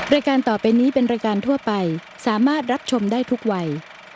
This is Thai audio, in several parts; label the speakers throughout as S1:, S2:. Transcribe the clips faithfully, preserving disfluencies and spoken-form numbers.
S1: รายการต่อไปนี้เป็นรายการทั่วไปสามารถรับชมได้ทุกวัย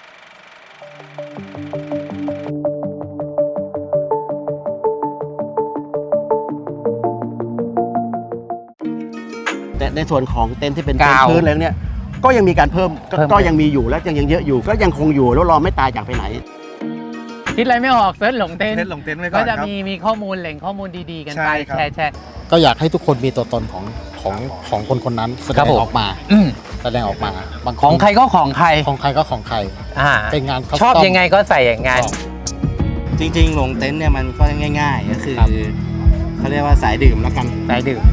S2: แต่ในส่วนของเต็นท์ที่เป็น
S3: กาว
S2: พื้นอะไรเนี่ยก็ยังมีการเพิ่มก็
S3: เพิ่ม
S2: ก็ยังมีอยู่และยังยังเยอะอยู่ก็ยังคงอยู่แล้วรอไม่ตายจากไปไหน
S3: คิดอะไรไม่ออกเซิร์ชหลงเต้น
S4: เต้นหลงเต้นไว้ก่
S3: ก็
S4: อน
S3: จะ
S4: ครับ
S3: มีมีข้อมูลแหล่งข้อมูลดีๆกัน
S4: ใช่
S3: ไป
S4: ครับ
S3: แชร์แชร์
S5: ก็อยากให้ทุกคนมีตัวตนของของของคนคนนั้นแสด
S3: ครับ
S5: ง
S3: ผม
S5: ออกมา
S3: อืม
S5: แสดงออกมาบางน
S3: ของใครก็ของใคร
S5: ของใครก็ของใคร
S3: อ่า
S5: เป็นงาน
S3: ชอบยังไงก็ใส่อย่างงั้น
S4: จริงๆหลงเต็นท์เนี่ยมันก็ง่ายๆก็คือ
S5: ครับ
S4: เขาเรียกว่าสายดื่มแล้วกัน
S3: ได้ดื่ม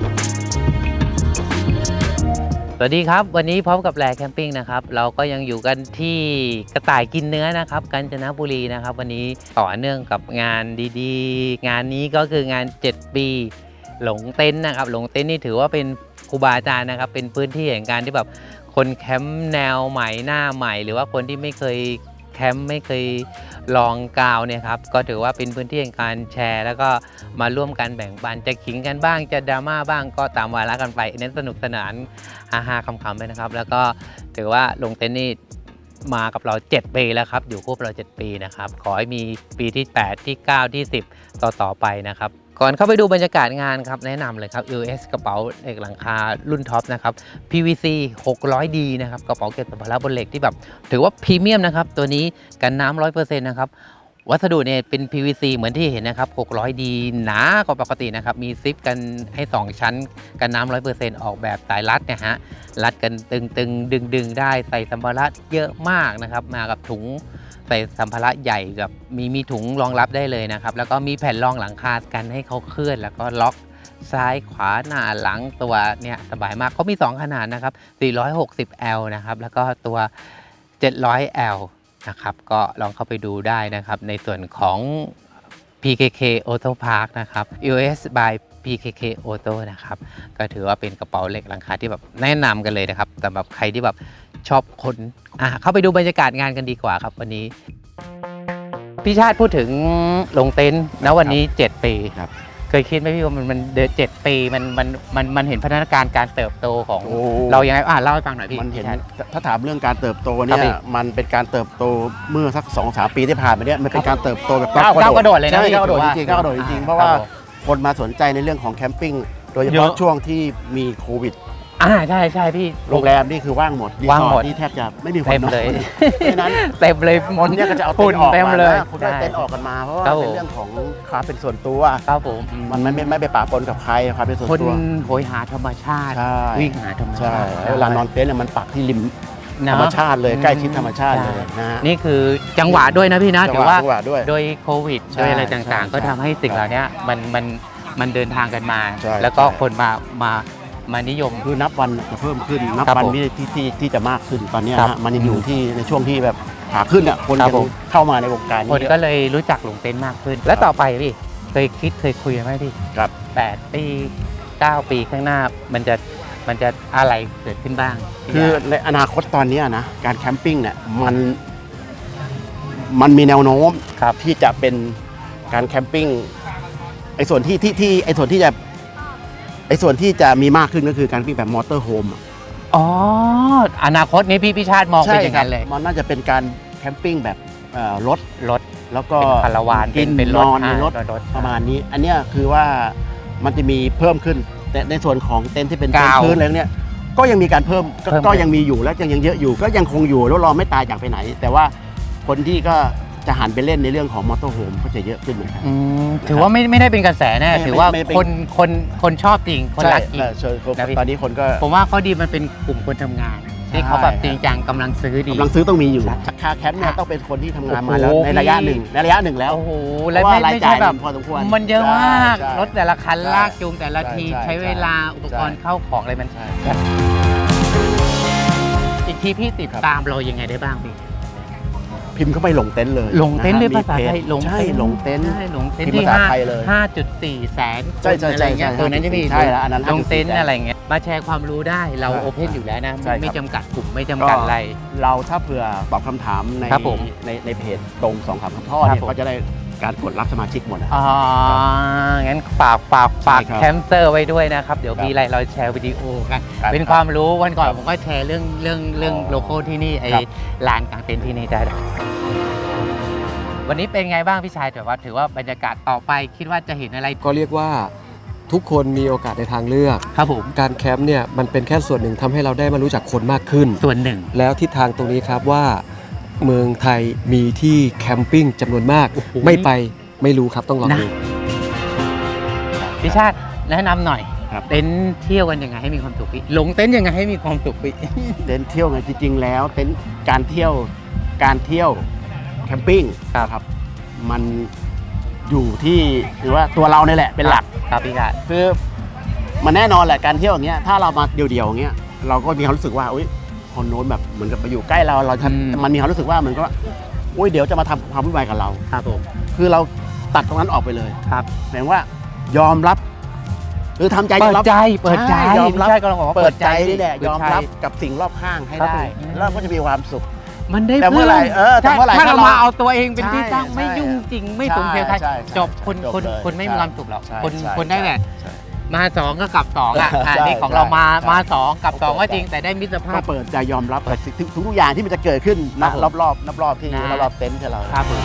S3: สวัสดีครับวันนี้พร้อมกับแลแคมปิ้งนะครับเราก็ยังอยู่กันที่กระต่ายกินเนื้อนะครับกาญจนบุรีนะครับวันนี้ต่อเนื่องกับงานดีๆ งานนี้ก็คืองานเจ็ดปีหลงเต็นท์นะครับหลงเต็นท์นี่ถือว่าเป็นครูบาอาจารย์นะครับเป็นพื้นที่แห่งการที่แบบคนแคมป์แนวใหม่หน้าใหม่ หรือว่าคนที่ไม่เคยแคมป์ไม่เคยลองกาวเนี่ยครับก็ถือว่าเป็นพื้นที่แห่งการแชร์ แล้วก็มาร่วมกันแบ่งปันจะขิงกันบ้างจะดราม่าบ้างก็ตามวาระกันไปเน้นสนุกสนานฮาๆคำๆไปนะครับแล้วก็ถือว่าลงเต็นท์นี่มากับเราเจ็ดปีแล้วครับอยู่คู่กับเราเจ็ดปีนะครับขอให้มีปีที่แปดที่เก้าที่สิบต่อๆไปนะครับก่อนเข้าไปดูบรรยากาศงานครับแนะนำเลยครับ ยู เอส กระเป๋าเหล็กหลังคารุ่นท็อปนะครับ พี วี ซี หกร้อยดี นะครับกระเป๋าเก็บสัมภาระบนเหล็กที่แบบถือว่าพรีเมียมนะครับตัวนี้กันน้ำ หนึ่งร้อยเปอร์เซ็นต์ นะครับวัสดุเนี่ยเป็น พี วี ซี เหมือนที่เห็นนะครับหกร้อยดี หนากว่าปกตินะครับมีซิปกันให้สองชั้นกันน้ำ หนึ่งร้อยเปอร์เซ็นต์ ออกแบบสายรัดเนี่ยฮะรัดกันตึงๆดึงๆได้ใส่สัมภาระเยอะมากนะครับมากับถุงใส่สัมภาระใหญ่กับมีมีถุงรองรับได้เลยนะครับแล้วก็มีแผ่นรองหลังคากันให้เขาเคลื่อนแล้วก็ล็อกซ้ายขวาหน้าหลังตัวเนี่ยสบายมากเขามีสองขนาดนะครับสี่ร้อยหกสิบแอล นะครับแล้วก็ตัวเจ็ดร้อยแอล นะครับก็ลองเข้าไปดูได้นะครับในส่วนของ พี เค เค Auto Park นะครับ ยู เอส by พี เค เค Auto นะครับก็ถือว่าเป็นกระเป๋าเหล็กหลังคาที่แบบแนะนำกันเลยนะครับสำหรับใครที่แบบชอบคนอ่ะเข้าไปดูบรรยากาศงานกันดีกว่าครับวันนี้พี่ชาติพูดถึงลงเต็นท์นะวันนี้เจ็ดปี
S2: ครับ
S3: เคยคิดไหมพี่ว่ามันมันเดือนเจ็ดปีมันมันมันมันเห็นพัฒนาการการเติบโตของ
S2: โอ้
S3: เรายังไงอ่ะเล่าให้ฟังหน่อยพี่
S2: มันเห็น
S3: พี่ชาติ
S2: ถ้าถามเรื่องการเติบโต
S3: ครั
S2: เนี่
S3: บพี่
S2: ยมันเป็นการเติบโตเมื่อสักสองสามปีที่ผ่านมาเนี่ยมันเป็นการเติบโตแบบ
S3: ก้าวก้าวกระโดดเลยนะ
S2: ใช่
S3: พี่
S2: ก้าวกระโดด
S3: ถือว่า
S2: จริงๆก้าวกระโดดจริงๆเพราะ
S3: ค
S2: ว่า
S3: บผม
S2: คนมาสนใจในเรื่องของแคมปิ้งโดยเฉ
S3: เย
S2: พาะ
S3: อะ
S2: ช่วงที่มีโควิด
S3: อ่าใช่ใช่พี่
S2: โรงแรมนี่คือว่างหมดรี
S3: ว่าง
S2: สอ
S3: หม
S2: ร์
S3: ด
S2: ทนี่แทบจะไม่มีคน
S3: เต็ม
S2: นอน
S3: เลย
S2: เพราะฉะนั้น
S3: เต็มเลย
S2: คนเนี่ยก็จะเอาเต็นท์ออก
S3: เต็ม
S2: มา
S3: เลย
S2: นะคุณได้เต็นท์ออกกันมาเพราะว่า
S3: ครับผม
S2: เป็นเรื่องของความเป็นส่วนตัว
S3: ครับผม
S2: มันไม่ไม่ไม่ไปปะปนกับใครความเป็นส่วน
S3: คน
S2: ตัว
S3: โหยหาธรรมชาติ
S2: ใช่
S3: วิ่งหาธรรม
S2: ใช่
S3: ชาติ
S2: แล้วเวลานอนเต็นท์เนี่ยมันปักที่ริม
S3: นะ
S2: ธรรมชาติเลย
S3: อืม
S2: ใกล้ชิดธรรมชาติเลย
S3: ใช่
S2: นะฮะ
S3: นี่คือจังหวะด้วยนะพี่นะ
S2: จั
S3: ถื
S2: ง
S3: อ
S2: หวะ
S3: ว่า
S2: จังหวะด้วย
S3: โดยโควิด
S2: ใช่
S3: โดยอะไร
S2: ใช่
S3: ต่างๆ ก็
S2: ใช่
S3: ทำให้สิ่งเหล่านี้มันมันมันเดินทางกันมา
S2: ใช่
S3: แล้วก็
S2: ใช่
S3: คนมามามานิยม
S2: คือนับวันจะเพิ่มขึ้นนับ
S3: ครับ
S2: วัน
S3: ผม
S2: ที่ที่ที่ที่จะมากขึ้นตอนเนี้ย
S3: ครับ
S2: ฮะมันยังอยู่ที่ในช่วงที่แบบขาขึ้นอ่ะคน
S3: ครั
S2: ยั
S3: บผม
S2: งเข้ามาในวงการ
S3: คน
S2: นี้
S3: ก็เลยรู้จักหลงเต็นท์มากขึ้น แล้วต่อไปพี่เคยคิดเคยคุยกันไหมพี่
S2: ครับ
S3: แปดปีเก้าปีข้างหน้ามันจะมันจะอะไรเกิดขึ้นบ้าง
S2: คือในอนาคตตอนเนี้ยนะการแคมปิ้งเนี่ยมันมันมีแนวโน้ม
S3: ครับ
S2: ที่จะเป็นการแคมปิ้งไอ้ส่วนที่ที่ที่ไอ้ส่วนที่จะไอ้ส่วนที่จะมีมากขึ้นก็คือการแคมปิ้งแบบมอเตอร์โฮม
S3: อ๋ออนาคตนี้พี่พิชาติมองเป็นอย่างนั้นเลย
S2: มันน่าจะเป็นการแคมปิ้งแบบเอ่อรถ
S3: รถ
S2: แล้วก็
S3: เป็นคาราวาน
S2: กิน
S3: เป็น
S2: น
S3: รถ
S2: อนในรถ
S3: อ่ารถ
S2: ประมาณนี้ อันเนี้ยคือว่ามันจะมีเพิ่มขึ้น แต่ในส่วนของเต็นท์ที่เป็นเต็น
S3: กาว
S2: ท์พื้นอะไรเนี่ยก็ยังมีการเพิ่มก็
S3: เพิ่ม
S2: ก็ยังมีอยู่และยังยังเยอะอยู่ ก็ยังคงอยู่แล้วรอไม่ตายจากไปไหน แต่ว่าคนที่ก็จะหันไปเล่นในเรื่องของมอเตอร์โฮมก็จะเยอะขึ้นเหมือนกัน
S3: อืมถือว่าไม่ไม่ได้เป็นกระแสแน่
S2: ไม่
S3: ถือว่า
S2: ไม่ไม่เป็น
S3: คนคนคนชอบจริง คนรักจริง
S2: ใช่เชิญครับ
S3: นะพี่
S2: ตอนนี้คนก็
S3: ผมว่าข้อดีมันเป็นกลุ่มคนทำงาน ที่เขาแบบจริงจังกำลังซื้อดี
S2: กำลังซื้อต้องมีอยู่
S3: ใช่
S2: คาแคมป์เนี่ย
S3: ค่ะ
S2: ต้องเป็นคนที่ทำงาน
S3: โอ้โห
S2: มาแล้วในระยะ
S3: พี่
S2: หนึ่งในระยะหนึ่งแล้ว
S3: โอ้โห
S2: เพ
S3: และ
S2: ราะว่า
S3: ไม่
S2: ราย
S3: ไม่
S2: จ่า
S3: ใช่
S2: ย
S3: แบบ
S2: พอสมควร
S3: มันเยอะมาก
S2: ใช่
S3: รถแต่ละคัน
S2: ใช่
S3: ลากจูงแต่ละที
S2: ใช่
S3: ใช้เวลาอุปกรณ์
S2: ใช่
S3: เข้าของอะไรมัน
S2: ใช่
S3: อีกทีพี่ติด
S2: ครับ
S3: ตามเรายังไงได้บ้างพี่
S2: พิมพ์เข้าไปหลงเต็นท์เลย
S3: หลงเต็นท์เลย
S2: ะฮะ
S3: ภาษาไทย
S2: มีเพจ
S3: หลง
S2: ใช่หลงเต็นท์
S3: ใช่หลงเต็นท์
S2: พิมพ์
S3: ที่
S2: ภาษา
S3: ห้า
S2: ไทยเลย
S3: ห้าจุดสี่แสน
S2: ใช่ใช่ใช่
S3: อะไรเงี้ย
S2: ใช่
S3: ตัวนั้นใช่ไหมพี่
S2: ใช่แล้วอันนั้น
S3: ลงเต็นท์
S2: ห้าจุดสี่
S3: อะไรเงี้ยมาแชร์ความรู้ได้เรา
S2: ใช่
S3: โอเพนอยู่แล้วนะ
S2: ใช่ครับ
S3: ไม่จำกัดกลุ่มไม่จำกัดอะไร
S2: เราถ้าเผื่อตอบคำถามใน
S3: ครับผม
S2: ในในเพจตรงสองคำพ่อ
S3: ครับ
S2: เนี่ย
S3: ผม
S2: ก็จะได้การกดรับสมาชิกหมดนะ
S3: อ๋อ งั้นฝากฝากฝาก
S2: ใช่ครับ
S3: แคมเซอร์ไว้ด้วยนะครับ เดี๋ยว
S2: ครับ
S3: มีอะไรเราแชร์วิดีโอกัน
S2: ครับ
S3: เป็นความรู้วันก่อนผมก็แชร์เรื่องเรื่องเรื่อง
S2: อ๋อ
S3: โลโก้ที่นี่ไอ้
S2: ครับ
S3: ลานกลางเต็นท์ที่นี่ได้ด้วยวันนี้เป็นไงบ้างพี่ชายแต่ว่าถือว่าบรรยากาศต่อไปคิดว่าจะเห็นอะไร
S6: ก็เรียกว่าทุกคนมีโอกาสในทางเลือก
S3: ครับผม
S6: การแคมป์เนี่ยมันเป็นแค่ส่วนหนึ่งทำให้เราได้มารู้จักคนมากขึ้น
S3: ส่วนหนึ่ง
S6: แล้วทิศทางตรงนี้ครับว่าเมืองไทยมีที่แคมปิ้งจำนวนมาก
S3: โอ้โห
S6: ไม่ไปไม่รู้ครับต้องลอง
S3: นะ
S6: ดู
S3: พี่ชาติแนะนำหน่อย
S2: ครับ
S3: เต็นท์เที่ยวกันยังไงให้มีความสุขพี่ลงเต็นท์ยังไงให้มีความสุขพี่
S2: เต็นท์เที่ยวไงจริงๆแล้วเต็นท์การเที่ยวการเที่ยวแคมปิ้งครับมันอยู่ที่หรือว่าตัวเราเนี่ยแหละเป็นหลัก
S3: ครับพี่ชาติ
S2: คือมันแน่นอนแหละการเที่ยวอย่างเงี้ยถ้าเรามาเดี่ยวๆอย่างเงี้ยเราก็มีความรู้สึกว่าอุ้ยคนโน้นแบบเหมือนกับไปอยู่ใกล้เราเราจะมันมีความรู้สึกว่ามันก็อุ้ยเดี๋ยวจะมาทำความวุ่นวายกับเรา
S3: ครับผม
S2: คือเราตัดตรงนั้นออกไปเลย
S3: ครับ
S2: หมายว่ายอมรับคือทำใจ
S3: เปิ
S2: ยอ
S3: ด
S2: มรับ
S3: ใจเปิดใจ
S2: ใช่ยอมรับ
S3: พี่ชายก็ลองบอกว่า
S2: เปิดใจนี่แหละ
S3: เปิด
S2: ยอม
S3: ใจ
S2: รับกับสิ่งรอบข้างให้
S3: ครับ
S2: ได้
S3: ผม
S2: แล้วก็จะมีความสุข
S3: มันได้
S2: แต่เมื่อไหร่เออแต่เมื่อไหร่
S3: ถ้า
S2: ถ้า
S3: เรา
S2: เรา
S3: มาเอาตัวเองเป็นที่
S2: ใช่
S3: ตั้งไม่
S2: ใช่
S3: ยุ่งจริงไม่สมเพลใคร
S2: ใช่ใช่
S3: จบคน
S2: จบ
S3: คน
S2: เลย
S3: คนไม่มีความสุขหรอก
S2: ใช่
S3: คน
S2: ใช่
S3: คนได้แหละ
S2: ใช่
S3: มาสองก็กลับสองอ่ะอ่ะ
S2: ใช่
S3: นี่ของเรามา
S2: ใช่
S3: มาสองกลับสอง
S2: เปิ
S3: ก็
S2: ด
S3: จริงแต่ได้มิตรภา
S2: ก็
S3: พ
S2: เปิดใจยอมรับกับทุกทุกอย่างที่มันจะเกิดขึ้น
S3: ครั
S2: นะ
S3: บผม
S2: รอบรอบรอบรอบๆที่
S3: นะ
S2: รอบๆเต็นท์ของเรา
S3: ครับผม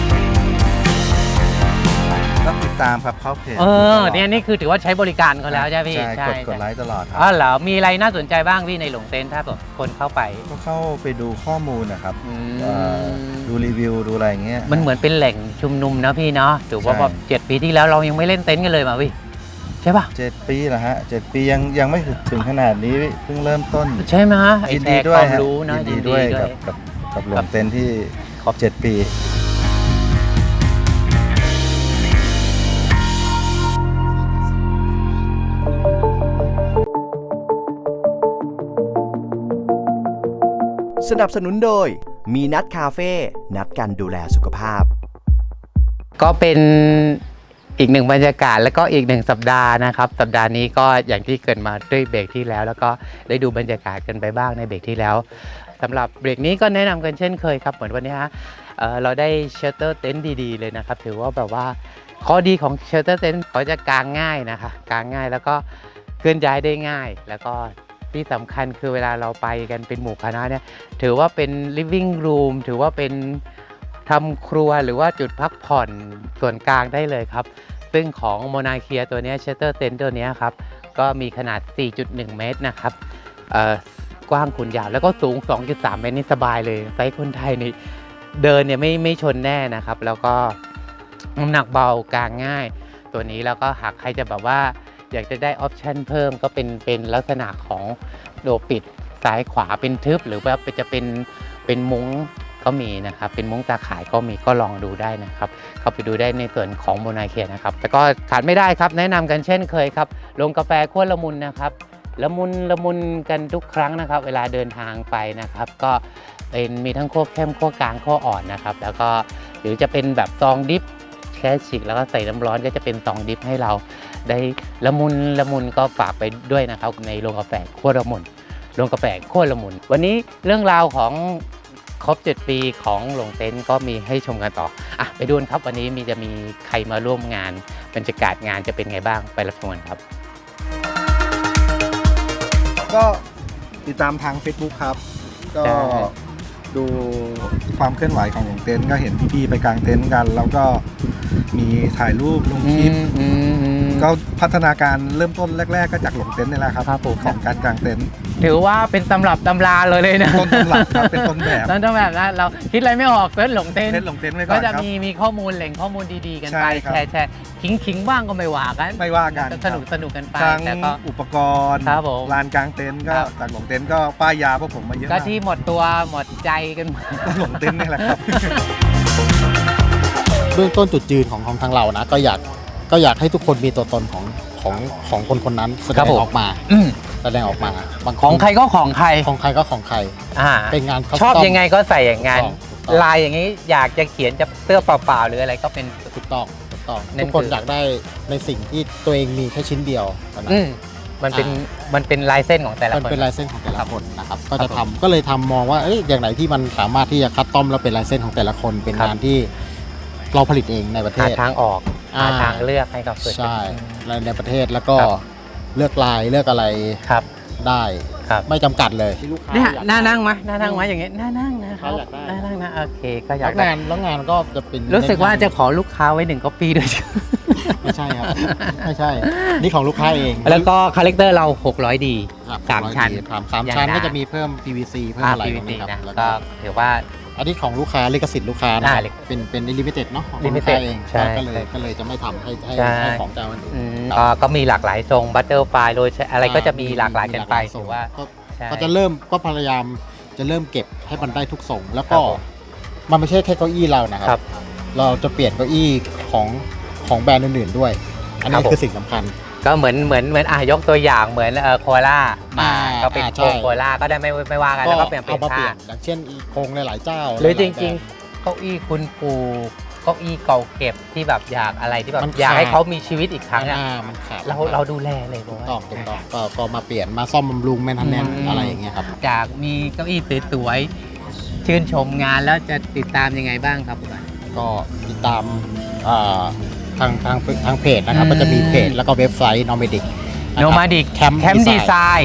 S4: ต้องติดตามครับเข้าเพจ
S3: เออเนี่ยนี่คือถือว่าใช้บริการเขาแล้วใช่ไหมพี่
S4: ใช่กดกดไลค์ตลอดค
S3: อ๋
S4: รั
S3: อบ เหรอมีอะไรน่าสนใจบ้างพี่ในหลงเต็นท์ถ้าแบบคนเข้าไป
S4: ก็เข้าไปดูข้อมูลนะครับ
S3: อื
S4: เอ่อ
S3: ม
S4: ดูรีวิวดูอะไรอย่างเงี้ย
S3: มันเหมือนเป็นแหล่งชุมนุมนะพี่เนาะถือว่า
S4: ใช่
S3: แบบเจ็ดปีที่แล้วเรายังไม่เล่นเต็นท์กันเลยมาพี่ใช่ป่ะ
S4: เจ็ดปีแล้วฮะเจ็ดปียังยังไม่ถึงขนาดนี้เพิ่งเริ่มต้น
S3: ใช่ไหมฮะไอ้
S4: ยิน
S3: แช
S4: ดี
S3: ร์
S4: ด้
S3: คว วาย ม
S4: ฮะ
S3: รู้นะ
S4: ยินดีด้วยกับกับกับหลวงเต็นท์ที่ครบเจ็ดปี
S7: สนับสนุนโดยมีนัดคาเฟ่นัดกันดูแลสุขภาพ
S3: ก็เป็นอีกหนึ่งบรรยากาศแล้วก็อีกหนึ่งสัปดาห์นะครับสัปดาห์นี้ก็อย่างที่เกิดมาด้วยเบรกที่แล้ว แล้วก็ได้ดูบรรยากาศกันไปบ้างในเบรกที่แล้วสำหรับเบรกนี้ก็แนะนำกันเช่นเคยครับเหมือนวันนี้ฮะเอ่อเราได้เชลเตอร์เต็นท์ดีๆเลยนะครับถือว่าแบบว่าข้อดีของเชลเตอร์เต็นท์เขาจะกางง่ายนะคะกางง่ายแล้วก็เคลื่อนย้ายได้ง่าย แล้วก็ที่สำคัญคือเวลาเราไปกันเป็นหมู่คณะเนี่ยถือว่าเป็น living room ถือว่าเป็นทำครัวหรือว่าจุดพักผ่อนส่วนกลางได้เลยครับซึ่งของโมนาเคียตัวนี้เชลเตอร์เต็นท์ตัวนี้ครับก็มีขนาด สี่จุดหนึ่ง เมตรนะครับเอ่อกว้างคูณยาวแล้วก็สูง สองจุดสาม เมตรนี่สบายเลยไซส์คนไทยนี่เดินเนี่ยไม่ไม่ชนแน่นะครับแล้วก็น้ำหนักเบากางง่ายตัวนี้แล้วก็หากใครจะแบบว่าอยากจะได้ออปชันเพิ่มก็เป็นเป็นลักษณะของโดปิดซ้ายขวาเป็นทึบหรือว่าจะเป็นเป็นมุ้งก็มีนะครับเป็นมุ้งตาข่ายก็มีก็ลองดูได้นะครับเข้าไปดูได้ในส่วนของโมนาเคียนะครับแต่ก็ขาดไม่ได้ครับแนะนำกันเช่นเคยครับลงกาแฟขั้วละมุนนะครับละมุนละมุนกันทุกครั้งนะครับเวลาเดินทางไปนะครับก็เป็นมีทั้งขั้วเข้มขั้วกลางขั้วอ่อนนะครับแล้วก็หรือจะเป็นแบบซองดิฟแค่ฉีกแล้วก็ใส่น้ำร้อนก็จะเป็นซองดิฟให้เราได้ละมุนละมุนก็ฝากไปด้วยนะครับในโรงกาแฟขั้วละมุนโรงกาแฟขั้วละมุนวันนี้เรื่องราวของครบเจ็ดปีของหลงเต็นท์ก็มีให้ชมกันต่ออ่ะไปดูกันครับวันนี้มีจะมีใครมาร่วมงานบรรยากาศงานจะเป็นไงบ้างไปรับชมกันครับ
S5: ก็ติดตามทาง Facebook ครับ ก็
S3: ใช่
S5: ดูความเคลื่อนไหวของหลงเต็นท์ก็เห็นพี่ๆไปกางเต็นท์กัน แล้วก็มีถ่ายรูปลงคลิป
S3: อืมอืม
S5: ก็พัฒนาการเริ่มต้นแรก ๆ ก็จากหลงเต็นท์นี่แหละครับ
S3: ครับผม
S5: ของการกางเต็นท์
S3: ถือว่าเป็นตำรับตำราเลยเลยนะ
S5: ต้นตำรับครับเป็นต้นแบบ
S3: ต้นตำรับนะเราคิดอะไรไม่ออกเซิร์ชหลงเต็นท์
S5: เต็นท์หลงเต็นท์ไว้ก่
S3: ก็
S5: อน
S3: จะ
S5: ครับ
S3: มีมีข้อมูลแหล่งข้อมูลดีๆกัน
S5: ใช่
S3: ไป
S5: ครับ
S3: แชร์แชร์ขิงขิงบ้างก็ไม่ว่ากัน
S5: ไม่ว่ากัน
S3: สนุกสนุกกันไป
S5: ทั้ง
S3: แต่ก็
S5: อุปกรณ์
S3: ครับผม
S5: ลานกางเต็นท์ก็
S3: ครับ
S5: จากหลงเต็นท์ก็ป้ายยาพวกผมมาเยอะ
S3: ก็
S5: มาก
S3: ที่หมดตัวหมดใจกันหมด
S5: ก็หลงเต็นท์นี่แหละครับ
S6: เบื้องต้นจุดยืนของของทางเรานะก็อยากก็อยากให้ทุกคนมีตัวตนของของของคนคนนั้นแสด
S3: ครับ
S6: ง
S3: ผม
S6: ออกมา
S3: อืม
S6: แสดงออกมาบางน
S3: ของใครก็ของใคร
S6: ของใครก็ของใคร
S3: อ่า
S6: เป็นงาน
S3: ชอบยังไงก็ใส่อย่างนั้น
S6: ถูกต้อง
S3: ลายอย่างนี้อยากจะเขียนจะเสื้อเปล่าๆหรืออะไรก็เป็น
S6: ถูกต้องถูกต้อง
S3: นั่น
S6: ทุกคน
S3: คือ
S6: อยากได้ในสิ่งที่ตัวเองมีแค่ชิ้นเดียวเท่านั้น
S3: อืมมันเป็นมันเป็นลายเส้นของแต่ละ
S6: มัน
S3: คน
S6: เป็นลายเส้นของแต่ละคนนะครับก็
S3: ครั
S6: จะ
S3: บผม
S6: ทำก็เลยทำมองว่าเอ้ยอย่างไหนที่มันสามารถที่จะคัดต้อมแล้วเป็นลายเส้นของแต่ละคน เป็น
S3: ครับ
S6: งานที่เราผลิตเองในประเท
S3: หา
S6: ศ
S3: ทางออก
S6: อ่า
S3: หาทางเลือกให้กับตัวเอง
S6: ใช่และในประเทศแล้วก็
S3: ครับ
S6: เลือกลายเลือกอะไร
S3: ครับ
S6: ได้
S3: ครับ
S6: ไม่จำกัดเลย
S3: เนี่ยน่านั่งไหมน่านั่งไหมอย่างเงี้ยน่านั่งนะครับ
S6: อยากได้
S3: น่านั่งนะโอเคก็อยา
S6: แล้
S3: ก
S6: ว
S3: ได้
S6: งานแล้วงานก็จะเป็น
S3: รู้สึกว่าจะขอลูกค้าไว้หนึ่งก๊อปปี้ด้วย
S6: ไม่ใช่ครับ ไม่ใช่ นี่ของลูกค้าเอง
S3: แล้วก็คาแรคเตอร์เราหกร้อยดี
S6: ครับ
S3: สามชั้น
S6: สามสาม
S3: อย่าง
S6: ชั้น
S3: นั้น
S6: ก็จะมีเพิ่ม พี วี ซี เพิ่ม
S3: อ่า
S6: อะไร
S3: พี
S6: ต
S3: วี
S6: รง
S3: ซี
S6: นี้ค
S3: นะ
S6: รับแล้ว
S3: ก็
S6: ก็
S3: ถือว่า
S6: อันนี้ของลูกค้าลิขสิทธิ์ลูกค้านะค
S3: อ่า
S6: รับเป็นเป็นลิมิเต็ดเนาะของลูก
S3: limited
S6: ค้าเอง
S3: ใช่
S6: ก็เลยก็เลยจะไม่ทำให้ให้
S3: ใช่
S6: ให้ของเจ้ามันอื่น
S3: อืม
S6: ครับ
S3: ก็ก็มีหลากหลายทรงบัตเตอร์ไฟโรยอะไรก็จะมีหลากหลายกันไป
S6: มี
S3: ถือ
S6: หล
S3: ว่า
S6: กหลยทรง
S3: ใช่
S6: ก็ก็จะเริ่มก็พยายามจะเริ่มเก็บให้มันได้ทุกทรงแล้ว
S3: ครั
S6: ก็
S3: บผม
S6: มันไม่ใช่แค่เก้าอี้เรานะค
S3: ครั
S6: รับ บ เราจะเปลี่ยนเก้าอี้ของของแบรนด์อื่นๆด้วย อัน
S3: ครั
S6: นี้
S3: บผม
S6: คือสิ่งสำคัญ
S3: ก็เหมือนเหมือนเหมือนอ่ะยกตัวอย่างเหมือนเอ่อโคล่ามา
S6: อ่า
S3: ก็เป็น
S6: อ่า
S3: โครง
S6: ใช่
S3: โคล่าก็ได้ไม่ไม่ว่ากันแล้วก็เปลี่ยนเปลี่
S6: เอา
S3: ยน
S6: มาเปลี่
S3: ท่าย
S6: นอย่างเช่นโครงหลายๆเจ้า
S3: หรือจ
S6: ลายๆ
S3: ริง
S6: แบ
S3: ๆเก้าอี้คุณปู่เก้าอี้เก่าเก็บที่แบบอยากอะไรที่แบบ
S6: มัน
S3: อยากให้
S6: ขาด
S3: เขามีชีวิตอีกครั้งอ่ะ
S6: อ่ามันขาด
S3: เราเราดูแลเลยผมว่า
S6: ต้องถูกต้องก็ก็มาเปลี่ยนมาซ่อมบำรุงแมนเทนแนน
S3: อืม
S6: อะไรอย่างเงี้ยครับ
S3: จากมีเก้าอี้สวยๆชื่นชมงานแล้วจะติดตามยังไงบ้างครับคุณบอย
S6: ก็ติดตามอ่าทางทางทางเพจนะครับ
S3: อืม
S6: ก็จะมีเพจแล้วก็เว็บไซต์ Nomadic
S3: โนมาดิก
S6: แคมป์
S3: แคมป์ดีไซน์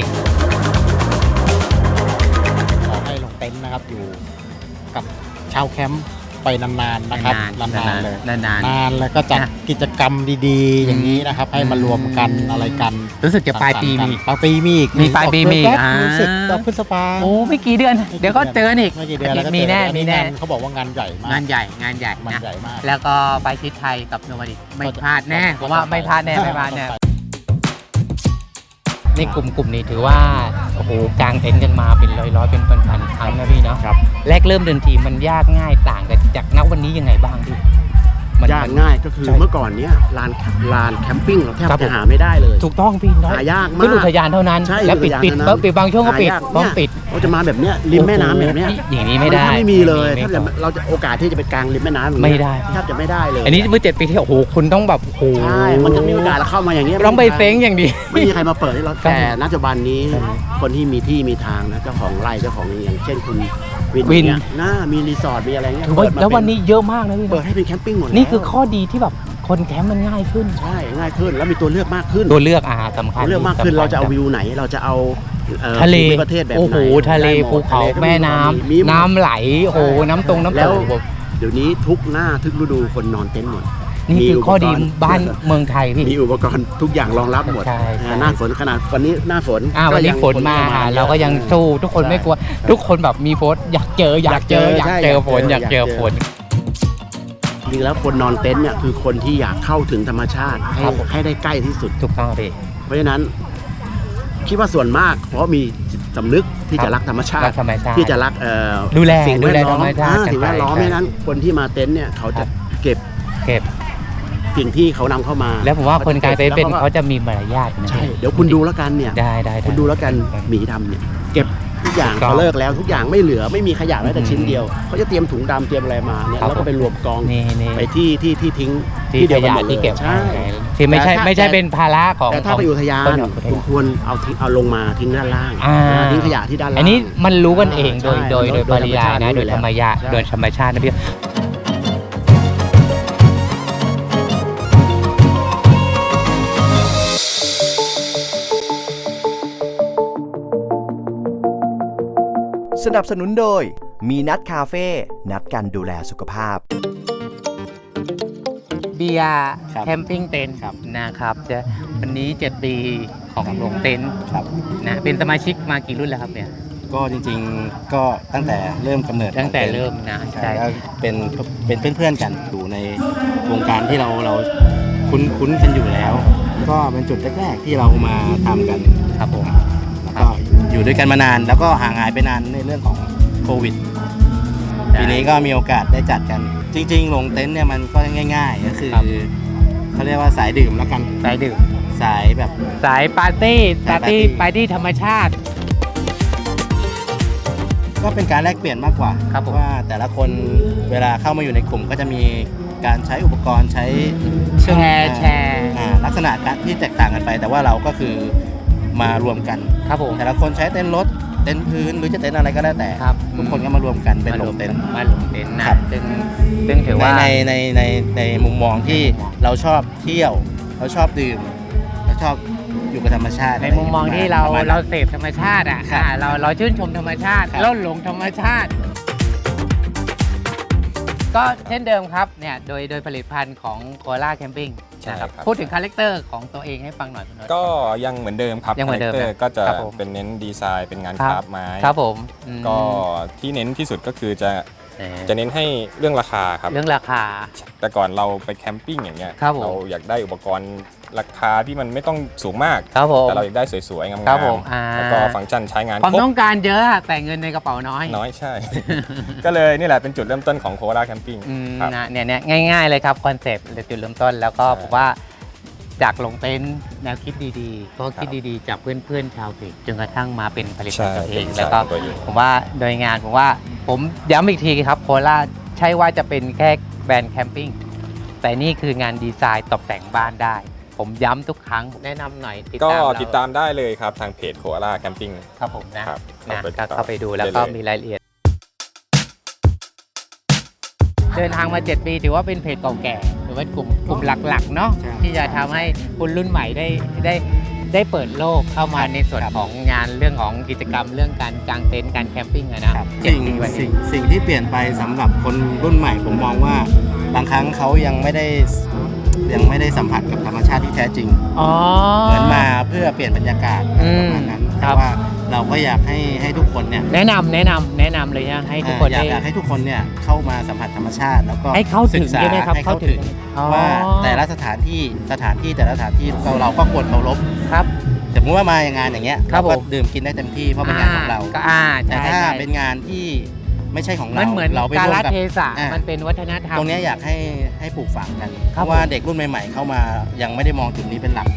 S6: ขอให้ลงเต็นท์นะครับอยู่กับชาวแคมป์ไปนานๆนะครับ
S3: นานๆ
S6: นานๆเลย
S3: นานๆ
S6: นานแล้วก็จัด
S3: นะ
S6: กิจกรรมดีๆ อย่างนี้นะครับ ให้มารวมกันอะไรกัน
S3: รู้สึกจะปลายปีมี
S6: ปลายปีมีอีก
S3: มีปลายปีมีอีก
S6: แป๊บ
S3: อ่า
S6: รู้สึกจะพฤษภา
S3: โอ้ไม่กี่เดือน เดี๋ยวก็เจอกันอีก
S6: ไม่กี่เดือนแล้วก็
S3: มี
S6: เจอ
S3: แน่
S6: อั
S3: มีแน่
S6: งาเขาบอกว่างานใหญ่มาก
S3: งานใหญ่งานใหญ่
S6: มัน
S3: นะ
S6: ใหญ่มาก
S3: แล้วก็ไปชิดไทยกับโนมาดิไม่พลาดแน่ผมว่าไม่พลาดแน่ไม่พลาดแน่ในกลุ่มกลุ่มนี้ถือว่าโอ้โหกางเต็นท์กันมาเป็นร้อยร้อยๆเป็นพันๆครั้งนะพี่เนาะ
S2: ครับ
S3: แรกเริ่มเดินทีมันยากง่ายต่างกันจากณวันนี้ยังไงบ้างพี่มัน
S2: ยากง่ายก็คือ
S3: ใช่
S2: เมื่อก่อนเนี้ยลานลานแคมปิ้งเราแทบ
S3: ครับผ
S2: จะ
S3: ม
S2: หาไม่ได้เลย
S3: ถูกต้องพี่น้อย
S2: หายาก
S3: ขึ้น
S2: มา
S3: อุ
S2: ก
S3: ทยานเท่านั้น
S2: ใช่
S3: แล้วปิด
S2: อุท
S3: ปิด
S2: ยานเท่านั้น
S3: ปิดบางช่วงก็ปิด
S2: หายาก
S3: ต้อง
S2: เนี่ย
S3: ปิด
S2: เราจะมาแบบเนี้ยริมแม่น้ำแบบเนี้ย
S3: โอ้โหอย่างนี้ไม่ได้
S2: นไม่มีเลย
S3: ไม่
S2: ถ้า
S3: มี
S2: จะเราจะโอกาสที่จะไปกลางริมแม่น้ำอย่างเงี้ย
S3: ไม่ได้
S2: แทบจะไม่ได้เลย
S3: อันนี้เมื่อเจ็ดปีที่โอ้โหคุณต้องแบบโอ้โห
S2: ใช่มันจะมีโอกาสเราเข้ามาอย่างเงี้ย
S3: ต้องไปเซ้งอย่างดี
S2: ไม่มีใครมาเปิดให้เรา
S3: ครับ
S2: แต่ณปัจจุบันนี้คนที่มีที่มีทางนะเจ้าของไร่เจ้าของอย่างเช่นคุณวิน
S3: วิน
S2: เนี่ยน่ามีรีสอร์ทมีอะไรเงี้ย
S3: ถือว่า
S2: เปิดมา
S3: แล้ววัน
S2: เป็
S3: นี้เยอะมากนะพี่
S2: เปิดให้เป็นแคมปิ้งหมด
S3: นี่คือ
S2: แล้ว
S3: ข้อดีที่แบบคนแคมป์มันง่ายขึ้น
S2: ใช่ง่ายขึ้นแล้วมีตัวเลือกมากขึ้น
S3: ตัวเลือกอาสำคัญ
S2: ตัวเลือกมากขึ้น
S3: สำคัญ
S2: เราจะเอาวิวไหนเราจะเอาอ่อ
S3: ทะเล
S2: ภูมิประเทศแบบไหน
S3: โอ้โหทะเล
S2: ได้หมด
S3: ภูเขา
S2: ทะลก็
S3: แม่น้ำ
S2: มีหมด
S3: น้ำไหลโอ้โหน้ำตรงน้ำ
S2: แล้
S3: ต
S2: ว
S3: ก
S2: เดี๋ยวนี้ทุกหน้าทุกฤดูคนนอนเต็นท์หมด
S3: นี่คือข้อดี
S2: มีอุปกรณ์
S3: บ้านเมืองไทยพี่
S2: มีอุปกรณ์ทุกอย่างรองรับหมด
S3: ใช่ใช่
S2: อ่าหน้าฝนขนาดวันนี้หน้าฝน
S3: อ่าวันนี้
S2: ก็ยัง
S3: ฝนมา
S2: เข้
S3: เราก็ยังสู้ทุกคน
S2: ใช่
S3: ไม่กลัว ทุกคนแบบมีโพสต์อยากเจออยากเจออยากเจอฝนอยากเจอฝน
S2: จริงๆแล้วคนนอนเต็นท์เนี่ยคือคนที่อยากเข้าถึงธรรมชาติให้
S3: ครับผม
S2: ให้ได้ใกล้ที่สุด
S3: ถูกต้องพี่
S2: เพราะฉะนั้นคิดว่าส่วนมากเพราะมีจิตสำนึกที่
S3: ครับ
S2: จะรักธรรมชา
S3: รั
S2: ติ
S3: กธรรมชาติ
S2: ที่จะรักเอ่อ
S3: ดูแล
S2: สิ่ง
S3: ดู
S2: แว
S3: แล
S2: ดล้อม
S3: ธรรมชาติ
S2: อ่าสิ่งแวดล้อม
S3: ใช่
S2: ไม่นั้นคนที่มาเต็นท์เนี่ยเขาจะเก็บ
S3: เก็บ
S2: สิ่งที่เขานำเข้ามา
S3: แล้วผมว่าคนกลางเต็นท์เป็น
S2: แล้ว
S3: เขาจะมีมารยาทนะ
S2: ใช่เดี๋ยวคุณดูแล้วกันเนี่ย
S3: ได้ได้ไ
S2: คุณดูแล้วกันหมีดำเนี่ยเก็บทุกอย่าง
S3: ถูกต้อง
S2: เขาเลิกแล้วทุกอย่างไม่เหลือไม่มีขยะแม้แต่ชิ้นเดียวเขาจะเตรียมถุงดำเตรียมอะไรมาเนี่ย
S3: ครับ
S2: แล้วก็ไปรวมกอง
S3: นี่นี่
S2: ไปที่ที่ที่ทิ้ง
S3: ที่
S2: เดียว
S3: ข
S2: กัน
S3: ยะ
S2: หมดเลย
S3: ที่เก็บ
S2: ใช่
S3: ที่ไม่ใช่
S2: แต่ถ้า
S3: ไม่ใช่เป็นภาระของ
S2: แต่ถ้า
S3: ของ
S2: ไปอุทยาน
S3: คนอุท
S2: คุณ
S3: ยาน
S2: ควรเอาทิ้งเอาลงมาทิ้งด้านล่าง
S3: อ่า
S2: ทิ้งขยะที่ด้านล่าง
S3: อันนี้มันรู้กันเองโดย
S2: ใช่
S3: โดยโดย
S2: โด
S3: ป
S2: ย
S3: ริยายนะ
S2: ธรรมชาติ
S3: โดยธรรมชาติ
S2: ใช่
S3: โดยธรรมชาตินะพี่
S7: สนับสนุนโดยมีนัดคาเฟ่นัดกันดูแลสุขภาพ
S3: เบียร์
S4: ครับ
S3: แคมปิ้งเต็นท์
S4: ครับ
S3: นะครับจะวันนี้เจ็ดปีของหลวงเต็นท์
S4: ครับ
S3: นะเป็นสมาชิกมากี่รุ่นแล้วครับเนี่ย
S4: ก็จริงๆก็ตั้งแต่เริ่มกำเนิด
S3: ตั้งแต่
S4: ของต็นท์
S3: เริ่มนะ
S4: ใช่
S3: ใช่
S4: ก็เป็นเป็นเพื่อนๆกันอยู่ในวงการที่เราเราคุ้นคุ้นกันอยู่แล้ว ก็เป็นจุดแรกๆที่เรามาทำกัน
S3: ครับผม
S4: แล้วก็อยู่ด้วยกันมานาน แล้วก็ห่างหายไปนานในเรื่องของโควิด ปีนี้ก็มีโอกาสได้จัดกัน จริงๆลงเต็นท์เนี่ยมันก็ง่ายๆก็คือ
S3: ครับ
S4: เขาเรียกว่าสายดื่มแล้วกัน
S3: สายดื่ม
S4: สายแบบ
S3: สายปาร์ตี้ปาร์ตี้
S4: สายปาร์ตี้
S3: ปาร์ตี้ธรรมชาติ
S4: ก็เป็นการแลกเปลี่ยนมากกว่า
S3: ครับผม
S4: ว่าแต่ละคนเวลาเข้ามาอยู่ในกลุ่มก็จะมีการใช้อุปกรณ์ใช้
S3: แชร์แชร์
S4: อ่าลักษณะการที่แตกต่างกันไป แต่ว่าเราก็คือมารวมกัน
S3: ครับผม
S4: แต่ละคนใช้เต้นรถเต็นท์พื้นหรือจะเต็นท์อะไรก็แล้วแต่
S3: ครับ
S4: ทุกคนก็มารวมกันเป็นโรงเต็นท์
S3: มาลงเต็นท์นะครับ ซึ่งซึ่งถือว่า
S4: ในในในในในมุมมองที่เราชอบเที่ยว เราชอบดื่มเราชอบอยู่กับธรรมชาติ
S3: ในมุมมองที่เรา
S4: ประมณนั้น
S3: เราเสพธรรมชาติอ่ะ
S4: ครับ
S3: อ่าเราเราชื่นชมธรรมชาติ
S4: ครับ
S3: เราหลงธรรมชาติ ก็เช่นเดิมครับเนี่ยโดยโดยผลิตภัณฑ์ของโคล่าแคมปิ้ง
S8: ใช่ครับ
S3: พูดถึงคาแรคเตอร์ของตัวเองให้ฟังหน่อยคุณนนท์
S8: ก็ยังเหมือนเดิมครับ
S3: ยังเหมือนเดิม
S8: คาแรคตอร์ก็จะ
S3: ครับผม
S8: เป็นเน้นดีไซน์เป็นงาน
S3: ครั
S8: ค
S3: บ
S8: ราฟต์ไม้
S3: ครับผมอืม
S8: ก็ที่เน้นที่สุดก็คือจะ
S3: เอ่อ
S8: จะเน้นให้เรื่องราคาครับ
S3: เรื่องราคา
S8: แต่ก่อนเราไปแคมปิ้งอย่างเงี้ย
S3: ครับผม
S8: เราอยากได้อุปกรณ์ราคาที่มันไม่ต้องสูงมาก
S3: ครับผม
S8: แต่เราอยากได้สวยๆงาม
S3: ครับผมอ่า
S8: ๆแล้วก็ฟังก์ชันใช้งาน
S3: ความ
S8: ครบ
S3: ต้องการเยอะอะแต่เงินในกระเป๋าน้อย
S8: น้อยใช่ ก็เลยนี่แหละเป็นจุดเริ่มต้นของโคราแคมปิ้ง
S3: อืม
S8: ครับ
S3: นะเนี่ยเนี่ยง่าย ๆ เลยครับคอนเซปต์จุดเริ่มต้นแล้วก็
S8: ใช่
S3: ผมว่าจากลงเต็นท์แนวคิดดีๆก็คิดดีๆจากเพื่อนๆชาวเพจจนกระทั่งมาเป็นผลิตภัณฑ์ตัวเอง
S8: ใช่
S3: แล้วก็
S8: ตัวเอง
S3: ผมว่าโดยงานผมว่าผมย้ำอีกทีครับโคราใช่ว่าจะเป็นแค่แบรนด์แคมปิ้งแต่นี่คืองานดีไซน์ตกแต่งบ้านได้ ผมย้ำทุกครั้งแนะนำหน่อยติด
S8: ก็
S3: ตามเรา
S8: ติดตามได้เลยครับทางเพจโคราแคมปิ้ง
S3: ครับผมนะครับ นะ
S8: เข้าไป
S3: ก็
S8: ติดตาม
S3: เข้าไปดูแล้วก็
S8: ได้เลย
S3: มีรายละเอียด เดินทางมาเจ็ดปีถือว่าเป็นเพจเก่าแก่หรือว่ากลุ่มกลุ่มหลักๆเนาะ
S4: ใช่
S3: ที่จะทำให้คนรุ่นใหม่ได้ได้ได้เปิดโลกเข้ามาในส่วนของงานเรื่องของกิจกรรมเรื่องการกางเต็นท์การแคมปิ้งอะนะเจ็ด
S4: สิ่ง
S3: ปีวันนี้
S4: สิ่งสิ่งที่เปลี่ยนไปสำหรับคนรุ่นใหม่ผมมองว่าบางครั้งเขายังไม่ได้ยังไม่ได้สัมผัสกับธรรมชาติที่แท้จริง
S3: อ๋อ
S4: เหมือนมาเพื่อเปลี่ยนบรรยากาศ
S3: อื
S4: ป
S3: ม
S4: ระมาณนั้น
S3: ค
S4: แต่
S3: รับ
S4: ว่าเราก็อยากให้ให้ทุกคนเนี่ย
S3: แนะนำแนะนำแนะนำเลยนะให้ทุกคน
S4: อยาก
S3: ได้
S4: อยากให้ทุกคนเนี่ยเข้ามาสัมผัสธรรมชาติแล้วก็
S3: ให้เข้าถึง
S4: ศึกษา
S3: ใช่ไหมครับ
S4: ให้เข้าถึง
S3: อ๋อ
S4: ว่าแต่ละสถานที่สถานที่แต่ละสถานที่เราเราก็ควรเคารพ
S3: ครับ
S4: สมมติว่ามาอย่างงานอย่างเงี้ย
S3: ครั
S4: เรา
S3: บ
S4: ก็
S3: ผม
S4: ดื่มกินได้เต็มที่เพราะเป็นงานของเรา
S3: ก็อ่า
S4: แต่
S3: ใช่
S4: ถ้า
S3: ใช่
S4: เป็นงานที่ไม่ใช่ของ
S3: มั
S4: เรา
S3: นเหมือน
S4: เราไป
S3: การ
S4: ร่ว
S3: ละ
S4: มกับ
S3: เทศะ
S4: อ่า
S3: มันเป็นวัฒนธรรม
S4: ตรงเนี้ยอยากให้ให้ปลูกฝังกัน
S3: ค
S4: เพ
S3: รับ
S4: ราะว่า
S3: ผม
S4: เด็กรุ่นใหม่ๆเข้ามายังไม่ได้มองจุดนี้เป็นหลัก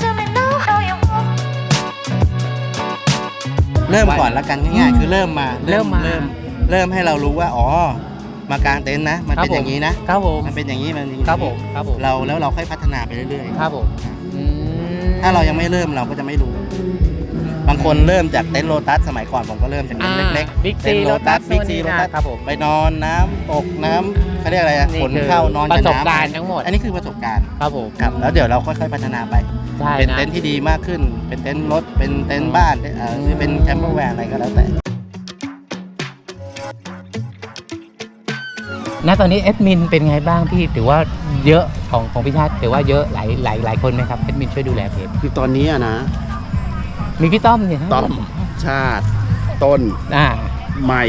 S4: เริ่มก่อนละกันง่ายๆคือเริ่มมา
S3: เริ่มมา
S4: เริ่มเริ่มให้เรารู้ว่าอ๋อมากางเต็นท์นะ มัน
S3: ครับ
S4: เป็นอย่างนี้นะ
S3: ครับผม
S4: มันเป็นอย่างนี้มันอย่างนี้
S3: ครับผมครับผม
S4: เราแล้วเราค่อยพัฒนาไปเรื่อย
S3: ครับผมอืม
S4: ๆ ถ้าเรายังไม่เริ่มเราก็จะไม่รู้ บางคนเริ่มจากเต็นท์โลตัสสมัยก่อนผมก็เริ่มจากเต็นท์เล็ก
S3: บิ๊ก
S4: เต็
S3: ซี
S4: นท์
S3: โล
S4: โล
S3: ตั
S4: ตั
S3: ส
S4: ส
S3: บิ๊
S4: บิ๊
S3: ก
S4: ก
S3: ซี
S4: ซี
S3: โล
S4: โล
S3: ตั
S4: ตั
S3: ส
S4: ส
S3: ครับผม
S4: ไปนอนน้ำตกน้ำเขาเรียกอะไรอะ
S3: นี่
S4: ขน
S3: คือ
S4: เข้านอน
S3: ป
S4: กับ
S3: ระสบ
S4: น้ำ
S3: การณ์ทั้งหมด
S4: อันนี้คือประสบการณ์
S3: ครับผม
S4: ครับแล้วเดี๋ยวเราค่อยๆพัฒนาไป
S3: ใช่
S4: เป็น
S3: นะ
S4: เต็นท์ที่ดีมากขึ้น เป็นเต็นท์รถ เป็นเต็นท์บ้านเอ่อหรือเป็นแคมเปอร์แวนอะไรก็แล้วแต่
S3: ณตอนนี้แอดมินเป็นไงบ้างพี่ถือว่าเยอะของของพี่ชาติถือว่าเยอะหลายหลายหลายคนไหมครับแอดมินช่วยดูแลเพจ
S2: คือตอนนี้อะนะ
S3: มีพี่ต้อมเนี่ย
S2: ต้อมชาติ ต้น
S3: อ่า
S2: ใหม่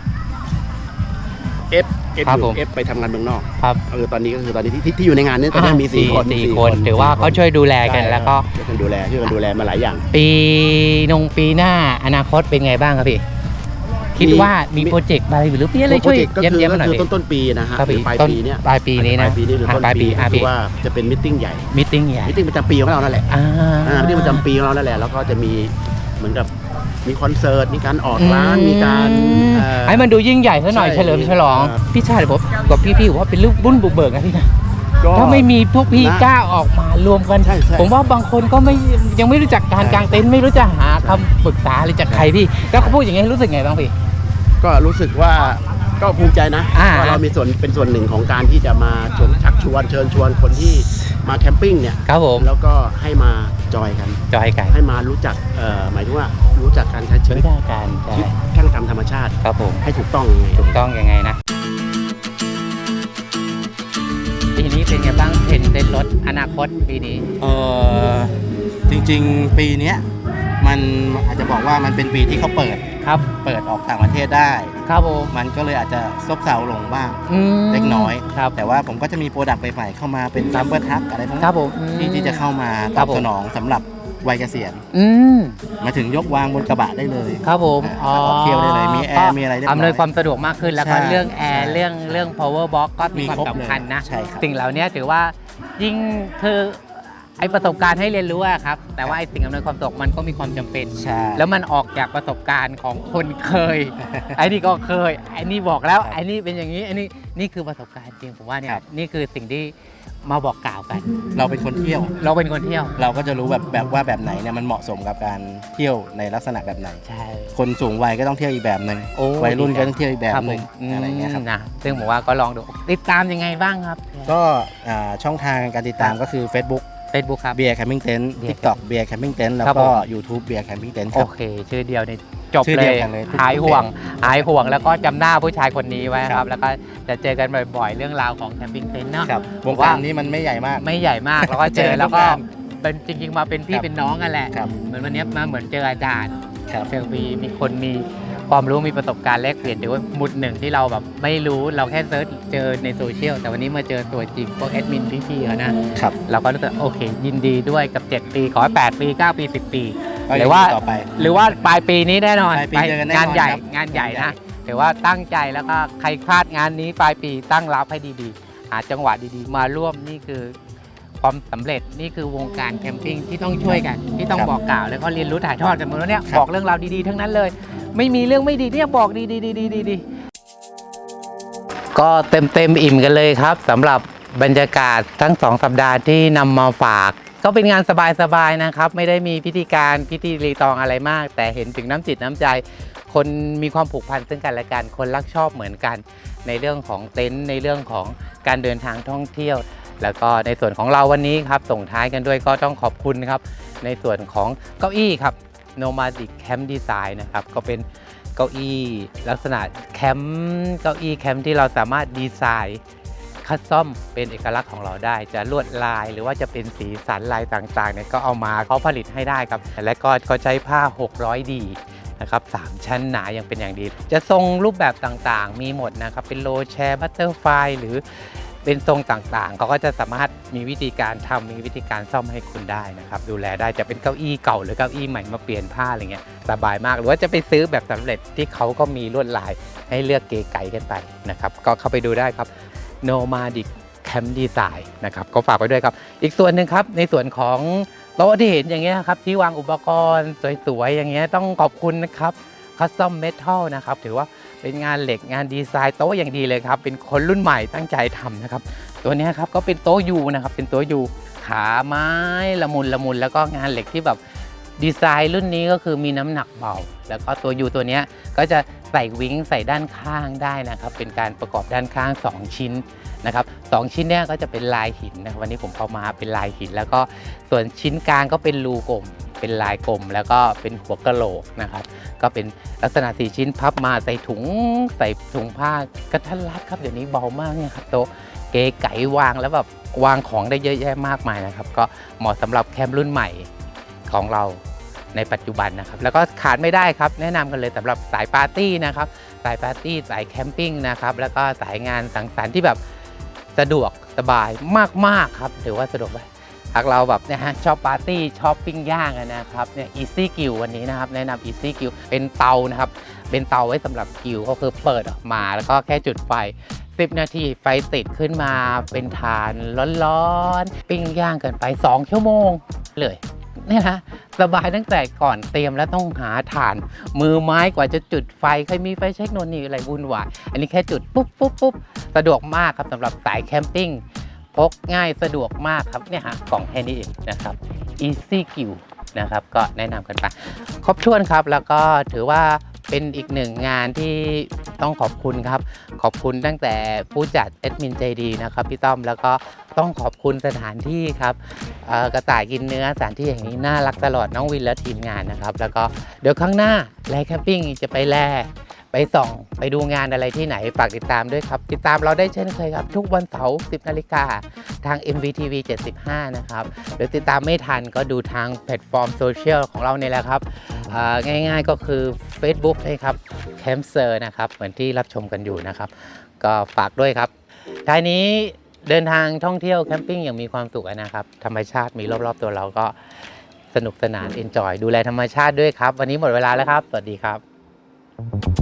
S2: เอฟเอฟ
S3: ครับ
S2: อ
S3: ผ
S2: ยู่
S3: ม
S2: เอฟไปทำงานเมืองนอก
S3: ครับ
S2: เออตอนนี้ก็คือตอนนี้ที่ที่ที่อยู่ในงานนี้ตอนนี้มีสี่คน
S3: สี่คนถือว่าเขาช่วยดูแลกันแล้วก็
S2: ช่วยกันดูแลช่วยกันดูแลมาหลายอย่าง
S3: ปีนงปีหน้าอนาคตเป็นไงบ้างครับพี่ คิดว่ามีโปรเจกต์อะไรหรือพี่อะไรช่วย
S2: ก็
S3: เยี่ยม
S2: คือ
S3: เยี่ยม
S2: ก็
S3: หน่อย
S2: คือ
S3: พี่
S2: ต้นต้นปีนะฮะ
S3: ครับ
S2: หรื
S3: พี่
S2: อปลาย
S3: ต้น
S2: ปีเนี้ย
S3: ปลายปีนี้นะ
S2: ปลายปีนี้หรือต้น
S3: ปลายปี
S2: ปี
S3: อ่ะ
S2: ก็
S3: พี่
S2: คือว่าจะเป็นมิทติ้งใหญ่
S3: มิทติ้งใหญ่
S2: มิทติ้งประจำปีของเรานั่นแหละ
S3: อ่า
S2: อ่ามิทติ้งประจำปีของเรานั่นแหละแล้วก็จะมีเหมือนกับมีคอนเสิร์ตมีการออกร้านมีการเอ่อ
S3: ให้มันดูยิ่งใหญ่ซะหน่อย
S2: ใช่
S3: เฉลิมฉลอง
S2: ครับ
S3: พี่ชาติผมกับพี่ๆผมว่าเป็นลูกบุญบุกเบิกนะพี่นะ
S2: ก็
S3: ถ้าไม่มีพวกพี่
S2: นะ
S3: กล้าออกมารวมกัน
S2: ใช่ใช่
S3: ผมว่าบางคนก็ไม่ยังไม่รู้จักการ
S2: ใช่
S3: กางเต็นท์ไม่รู้จะหาคำปรึกษาอะไรจากใครพี่ แล้วเขาพูดอย่างนี้รู้สึกไงบ้างพี่
S2: ก็รู้สึกว่าก็ภูมิใจนะ
S3: อ่า
S2: ว่าเรามีส่วนเป็นส่วนหนึ่งของการที่จะมาชวนชักชวนเชิญชวนคนที่มาแคมปิ้งเนี่ย
S3: ครับผม
S2: แล้วก็ให้มาจอยกัน
S3: จอยกัน
S2: ให้มารู้จักเอ่อหมายถึงว่ารู้จักการใช้ชีวิ
S3: รู้
S2: ต
S3: จักกันใช่
S2: ชีวิตช่างทำธรรมชาติ
S3: ครับผม
S2: ให้ถูกต้องยังไง
S3: ถูกต้องยังไงนะปีนี้เป็นไงบ้างเห็นเต็นท์รถอนาคตปีนี้
S4: เออจริงๆปีเนี้ยมันอาจจะบอกว่ามันเป็นปีที่เขาเปิด
S3: ครับ
S4: เปิดออกต่างประเทศได้
S3: ครับผม
S4: มันก็เลยอาจจะซบเซาลงบ้าง
S3: อืม
S4: เล็กน้อย
S3: ครับ
S4: แต่ว่าผมก็จะมีโปรดักต์ใหม่ๆเข้ามาเป็นซัมเบอร์ทักอะไรพวก
S3: ค
S4: นี้
S3: รับผมอืม
S4: ที่ที่จะเข้ามา
S3: ค
S4: ต
S3: รั
S4: อ
S3: บบ ผม
S4: สนองสำหรับวัยเกษียณ
S3: อืม
S4: มาถึงยกวางบนกระบะได้เลย
S3: ครับผม
S4: อ่าออกเที่ยวได้เลยมีแอร์มีอะไรเรียบร้อย
S3: อำนวยความสะดวกมากขึ้นแล้วก็
S4: ใช่
S3: เรื่องแอร์
S4: ใช่
S3: เรื่องเรื่อง power box ก็มี
S4: มี
S3: ความ
S4: ครบ
S3: สำคัญนะ
S4: เลยใช่ครับ
S3: สิ่งเหล่านี้ถือว่ายิ่งคือไอประสบการณ์ให้เรียนรู้อะครับแต่ว่าไอสิ่งอำนวยความสะดวกมันก็มีความจำเป็น
S4: ใช่
S3: แล้วมันออกจากประสบการณ์ของคนเคย ไอ้นี่ก็เคยไอ้นี่บอกแล้วไอ้นี่เป็นอย่างนี้ไอ้นี่นี่คือประสบการณ์จริงผมว่าเนี่ยนี่คือสิ่งที่มาบอกกล่าวกัน
S4: เราเป็นคนเที่ยว
S3: เราเป็นคนเที่ยว
S4: เราก็จะรู้แบบแบบว่าแบบไหนเนี่ยมันเหมาะสมกับการเที่ยวในลักษณะแบบไหน
S3: ใช่
S4: คนสูงวัยก็ต้องเที่ยวอีกแบบหนึ่ง
S3: โอ้
S4: วัยรุ่นก็ต้องเที่ยวอีกแบบหนึ่ง
S3: ผม
S4: อะไรเงี้ยครับ
S3: นะซึ่งผมว่าก็ลองดูติดตามยังไงบ้างครับ
S4: ก็อ่าช่องทางการติดตามก็คือ Facebook
S3: Facebook ครับ
S4: เบียร์แคมปิ้งเต็นท์
S3: Beer
S4: TikTok เบียร์แคมปิ้งเต็นท์แล้ว
S3: ครับ
S4: ก็
S3: ผม
S4: YouTube เบียร์แคมปิ้งเต็นท์ค
S3: โอ
S4: รับ
S3: เค ชื่อเดียวเนี่ยจบ
S4: ชื่อ
S3: เล
S4: เดี
S3: ย
S4: ยวกันเลย
S3: หายห่วงหายห่วงแล้วก็จำหน้าผู้ชายคนนี้ไว้ค
S4: ครั
S3: รับ
S4: บ
S3: แล้วก็จะเจอกันบ่อยๆ เรื่องราวของแคมปิ้งเต็นท์เนาะ
S4: ครับวง
S3: ว่า
S4: การนี้มันไม่ใหญ่มาก
S3: ไม่ใหญ่มากแล้วก็เจอ
S4: เจอ
S3: แล้วก็
S4: ทุกงาน
S3: เป็นจริงๆมาเป็นพี่
S4: ครับ
S3: เป็นน้องกันแหละ
S4: ครับ
S3: เหมือนวันนี้มาเหมือนเจออาจารย์
S4: ครับ
S3: เจอมีมีคนมีความรู้มีประสบการณ์แลกเปลี่ยนหรือว่าหมุดหนึ่งที่เราแบบไม่รู้เราแค่เซิร์ชเจอในโซเชียลแต่วันนี้มาเจอตัวจริงพวกแอดมินพี่ๆเขานะครับ เราก็รู้สึกโอเค ยินดีด้วยกับเจ็ดปีขอให้แปดปีเก้าปีสิบปี
S4: ก็
S3: หรือว่า
S4: ต่อไป
S3: หรือว่าปลายปีนี้แน่นอน
S4: ปลายปีเจอกันแน่นอน
S3: งานใหญ่
S4: ครับ
S3: งานใหญ่
S4: งานใหญ่
S3: นะถือว่าตั้งใจแล้วก็ใครพลาดงานนี้ปลายปีตั้งรับให้ดีๆหาจังหวะดีๆ มาร่วมนี่คือความสำเร็จนี่คือวงการแคมปิ้งที่ต้องช่วยกัน ที่ต้องบอกกล่าวแล้วก็เรียนรู้ถ่ายทอดกันหมดแล้วเนี่ยบอกเรื่องราวดีๆทั้งนั้นเลย ไม่มีเรื่องไม่ดีเนี่ยบอกดีๆๆๆๆก็เต็มเต็มอิ่มกันเลยครับสำหรับบรรยากาศทั้งสองสัปดาห์ที่นำมาฝาก ก็เป็นงานสบายๆนะครับ ไม่ได้มีพิธีการพิธีรีตองอะไรมาก แต่เห็นถึงน้ำจิตน้ำใจ คนมีความผูกพันซึ่งกันและกันคนรักชอบเหมือนกัน ในเรื่องของเต็นท์ในเรื่องของการเดินทางท่องเที่ยว แล้วก็ในส่วนของเราวันนี้ครับส่งท้ายกันด้วยก็ต้องขอบคุณครับในส่วนของเก้าอี้ครับ Nomadic Camp Design นะครับก็เป็นเก้าอี้ลักษณะแคมป์เก้าอี้แคมป์ที่เราสามารถดีไซน์คัสตอมเป็นเอกลักษณ์ของเราได้ จะลวดลายหรือว่าจะเป็นสีสันลายต่างๆเนี่ยก็เอามาเขาผลิตให้ได้ครับและก็เขาใช้ผ้า หกร้อย ดี นะครับสามชั้นหนายังเป็นอย่างดี จะทรงรูปแบบต่างๆมีหมดนะครับเป็นโลแชร์บัตเตอร์ไฟหรือเป็นทรงต่างๆเขาก็จะสามารถมีวิธีการทำมีวิธีการซ่อมให้คุณได้นะครับดูแลได้จะเป็นเก้าอี้เก่าหรือเก้าอี้ใหม่มาเปลี่ยนผ้าอะไรเงี้ยสบายมากหรือว่าจะไปซื้อแบบสำเร็จที่เขาก็มีลวดลายให้เลือกเก๋ไก๋กันไปนะครับก็เข้าไปดูได้ครับ Nomadic Camp Design นะครับก็ฝากไว้ด้วยครับอีกส่วนหนึ่งครับในส่วนของโต๊ะที่เห็นอย่างเงี้ยครับที่วางอุปกรณ์สวยๆอย่างเงี้ยต้องขอบคุณนะครับ Custom Metal นะครับถือว่าเป็นงานเหล็กงานดีไซน์โต๊ะอย่างดีเลยครับเป็นคนรุ่นใหม่ตั้งใจทำนะครับตัวนี้ครับก็เป็นโต๊ะยูนะครับเป็นโต๊ะยูขาไม้ละมุนละมุนแล้วก็งานเหล็กที่แบบดีไซน์รุ่นนี้ก็คือมีน้ำหนักเบาแล้วก็ตัวยูตัวนี้ก็จะใส่วิ้งใส่ด้านข้างได้นะครับเป็นการประกอบด้านข้างสองชิ้นนะครับสองชิ้นเนี้ยก็จะเป็นลายหินนะวันนี้ผมเอามาเป็นลายหินแล้วก็ส่วนชิ้นกลางก็เป็นรูกลมเป็นลายกลมแล้วก็เป็นหัวกะโหลกนะครับก็เป็นลักษณะสี่ชิ้นพับมาใส่ถุงใส่ถุงผ้ากระทัดรัดครับเดี๋ยวนี้เบามากเนี่ยครับโต๊ะเก๋ไก๋วางแล้วแบบวางของได้เยอะแยะมากมายนะครับก็เหมาะสำหรับแคมป์รุ่นใหม่ของเราในปัจจุบันนะครับแล้วก็ขาดไม่ได้ครับแนะนำกันเลยสำหรับสายปาร์ตี้นะครับสายปาร์ตี้สายแคมปิ้งนะครับแล้วก็สายงานสังสรรค์ที่แบบสะดวกสบายมากๆครับถือว่าสะดวกไปหากเราแบบเนี่ยฮะชอบปาร์ตี้ชอบปิ้งย่างนะครับเนี่ย Easy Grill วันนี้นะครับแนะนำ Easy Grill เป็นเตานะครับเป็นเตาไว้สำหรับกริลก็คือเปิดออกมาแล้วก็แค่จุดไฟสิบนาทีไฟติดขึ้นมาเป็นฐานร้อนๆปิ้งย่างกันไปสองชั่วโมงเลยเนี่ยนะสบายตั้งแต่ก่อนเตรียมแล้วต้องหาถ่านมือไม้กว่าจะจุดไฟเคยมีไฟเช็คโน่นนี่อะไรวุ่นวายอันนี้แค่จุดปุ๊บปุ๊บปุ๊บสะดวกมากครับสำหรับสายแคมปิ้งพกง่ายสะดวกมากครับเนี่ยฮะกล่องแค่นี้เองนะครับ Easy Grill นะครับก็แนะนำกันไปครบถ้วนครับแล้วก็ถือว่าเป็นอีกหนึ่งงานที่ต้องขอบคุณครับขอบคุณตั้งแต่ผู้จัดแอดมินใจดีนะครับพี่ต้อมแล้วก็ต้องขอบคุณสถานที่ครับกระต่ายกินเนื้อสถานที่อย่างนี้น่ารักตลอดน้องวินและทีมงานนะครับแล้วก็เดี๋ยวข้างหน้าแลแคมปิ้งจะไปแลไปส่องไปดูงานอะไรที่ไหนฝากติดตามด้วยครับติดตามเราได้เช่นเคยครับทุกวันเสาร์สิบนาฬิกาทาง เอ็ม วี ที วี เจ็ดสิบห้านะครับหรือติดตามไม่ทันก็ดูทางแพลตฟอร์มโซเชียลของเราเนี่ยแหละครับง่ายๆก็คือ Facebook เลยครับแคมเซอร์นะครับเหมือนที่รับชมกันอยู่นะครับก็ฝากด้วยครับท้ายนี้เดินทางท่องเที่ยวแคมปิ้งอย่างมีความสุขนะครับธรรมชาติมีรอบๆตัวเราก็สนุกสนานเอนจอยดูแลธรรมชาติด้วยครับวันนี้หมดเวลาแล้วครับสวัสดีครับ